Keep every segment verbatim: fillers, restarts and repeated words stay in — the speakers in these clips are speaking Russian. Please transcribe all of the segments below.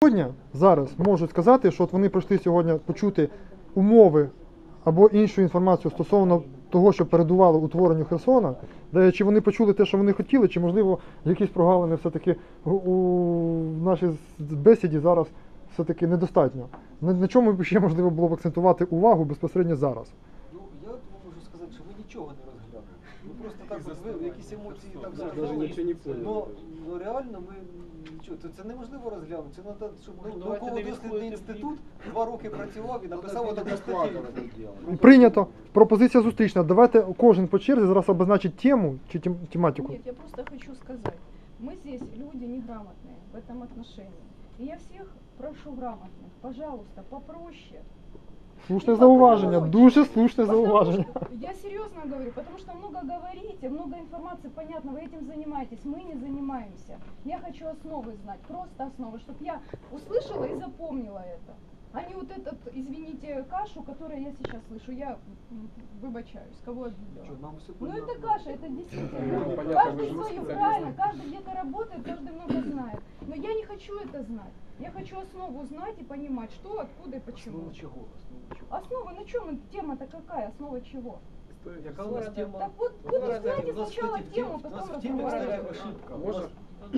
сьогодні, зараз можуть сказати, що от вони прийшли сьогодні почути умови або іншу інформацію стосовно того, що передувало утворенню Херсона, де чи вони почули те, що вони хотіли, чи можливо якісь прогалини все-таки у нашій бесіді зараз все-таки недостатньо. На, на чому ще можливо було б акцентувати увагу безпосередньо зараз? Ну, я можу сказати, що ви нічого не розглянули. Ви просто так от, ви якісь емоції так заглянули. Но, ну, реально ми нічого, це, це неможливо розглянути. Це треба, щоб ну, науково-дослідний інститут два роки працював і написав таку статтю. Прийнято. Пропозиція зустрічна. Давайте кожен по черзі зараз обозначить тему чи тем, тематику. Нет, я просто хочу сказать. Мы здесь люди неграмотные в этом отношении. И я всех прошу грамотных, пожалуйста, попроще. Слушне зауваження, дуже слушне зауваження. Я серьезно говорю, потому что много говорите, много информации, понятно, вы этим занимаетесь, мы не занимаемся. Я хочу основы знать, просто основы, чтобы я услышала и запомнила это. А не вот этот, извините, кашу, которую я сейчас слышу. Я выбачаюсь, кого обидела. Ну это каша, это действительно. Каждый свою, правильно, каждый где-то работает, каждый много знает. Но я не хочу это знать. Я хочу основу знать и понимать, что, откуда и почему. Основа чего? Основа, на чем тема-то какая? Основа чего? Яка у нас тема? Так вот, вот узнаете сначала тему, потом разговаривайте. Ошибка. Можно?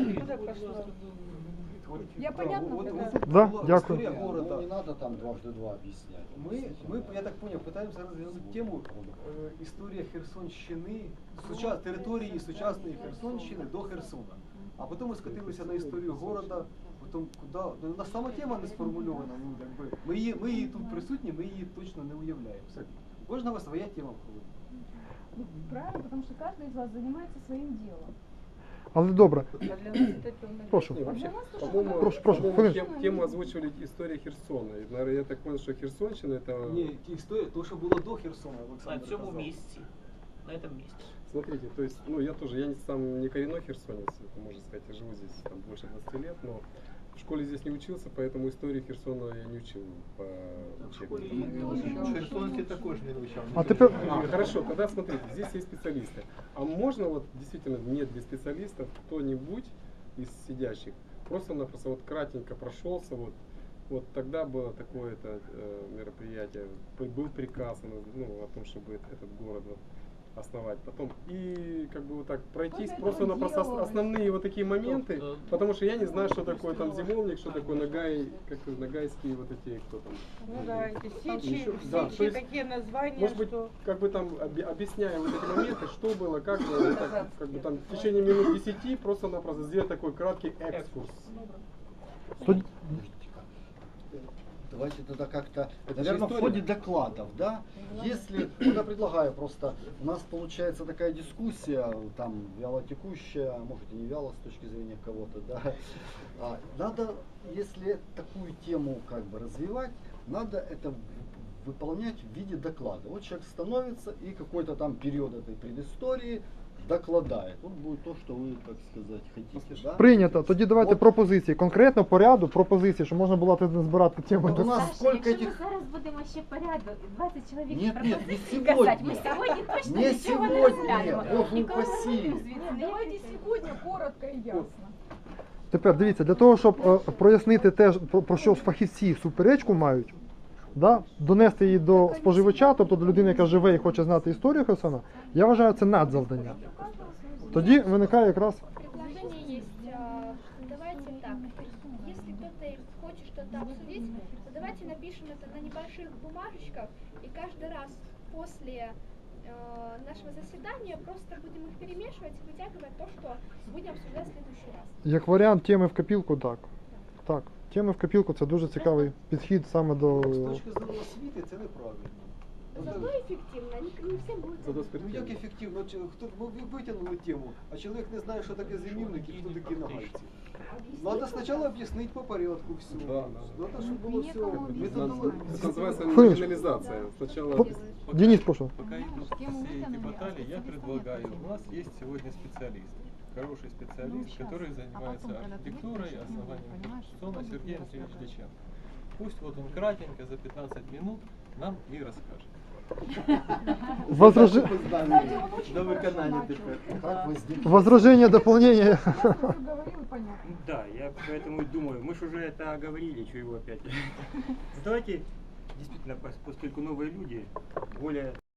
Я понятно вот, поняла? вот, Да, была дякую. история города. Ну, не надо там дважды два объяснять. Мы, мы, я так понял, пытаемся развернуть тему э, история Херсонщини, сучас, території сучасної Херсонщини до Херсона. А потім ми скотилися на історію города, потім куди, ну, у нас сама тема не сформульована, ну, якби, ми її, ми її тут присутні, ми її точно не уявляємо. У кожного своя тема входить. Ну, правильно, потому что каждый из вас занимается своим делом. Але добре. Прошу. Не, вообще, А для нас тоже по-моему, такая Прошу, прошу, по-моему, хвилинку. тем- тему озвучивали история Херсона. И, наверное, я так понял, что Херсонщина это... Ні, ті історії, то, що було до Херсона, На Олександр цьому казав. місці. На этом месте. Смотрите, то есть, ну я тоже, я не, сам не коренной херсонец, это можно сказать, я живу здесь там, больше двадцати лет, но в школе здесь не учился, поэтому истории Херсона я не учил по учебнику. Херсонці також не вивчав. А тепер А, хорошо, тогда смотрите, здесь есть специалисты. А можно вот действительно нет без специалистов кто-нибудь из сидящих просто-напросто вот кратенько прошелся, вот, вот тогда было такое-то э, мероприятие, был приказ ну, о том, чтобы этот город вот, основать. Потом и как бы вот так пройтись Кто-то просто-напросто делал. основные вот такие моменты, Кто-то. потому что я не знаю, что такое там зимовник, что такое нагай, как нагайские вот эти, кто там. Ну да, эти сечи, Еще- да, то сечи, есть, какие названия, Может быть, что... как бы там оби- объясняя вот эти моменты, что было, как было, вот так, как бы там в течение минут десяти просто-напросто сделать такой краткий экскурс. тоді- Давайте тогда как-то, Это же наверное, в история. ходе докладов, да? Если, вот я предлагаю просто, у нас получается такая дискуссия, там, вялотекущая, а может и не вяло с точки зрения кого-то, да? А, надо, если такую тему как бы развивать, надо это в- выполнять в виде доклада. Вот человек становится и какой-то там период этой предыстории докладает. Вот будет то, что вы, так сказать, хотите, да? прийнято. Тоді давайте От. пропозиції. Конкретно по ряду пропозиції, щоб можна було тут збирати тему. Вот у нас Саша, сколько якщо этих... ми зараз будемо ще порядок, двадцять чоловік Нет, нет, не пропозицій сегодня. казати, ми сьогодні точно Не нічого не сегодня, розглянемо. Боже Ніколи не упаси. будемо звідси Нет, ніяких давайте тем. сегодня коротко и ясно. Тепер дивіться, для того, щоб е, прояснити те, ж, про, про що фахівці суперечку мають, да, донести її до споживача, тобто до людини, яка живе і хоче знати історію Херсона, я вважаю, це надзавдання. Тоді виникає якраз Предложение есть. а, Давайте так. Если кто-то хочет что-то обсудить, то давайте напишем это на небольших бумажечках, и каждый раз после э, нашего заседания просто будем их перемешивать и вытягивать то, что будем обсуждать в следующий раз. як варіант теми в копілку, так. Так, теми в копілку це дуже цікавий підхід саме до. З точки зору освіти це неправильно. Зато эффективно, не, не всем будет. Зато Ну як ефективно? Чи- Хто ми ви- витягнули тему, а чоловік не знає, що таке зимівник і хто такі нагайці. Надо спочатку об'яснити по порядку все. Да, да. Надо, щоб було все Это методологічно. называется Хвилиночку. номинализация. Сначала По- Денис, прошу. Пока идут все эти баталии, я предлагаю, у нас есть сегодня специалист, хороший специалист, который занимается архитектурой, основанием Херсона, Сергей Андреевич Дяченко. Пусть вот он кратенько за пятнадцать минут нам и расскажет. Возраж- Кстати, он очень До хорошо виконання начал. тепер. Как возник... Возражение, дополнение. Я уже говорил, понятно. Да, я поэтому и думаю, мы же уже это говорили, что его опять. Давайте, действительно, пос- поскольку новые люди, более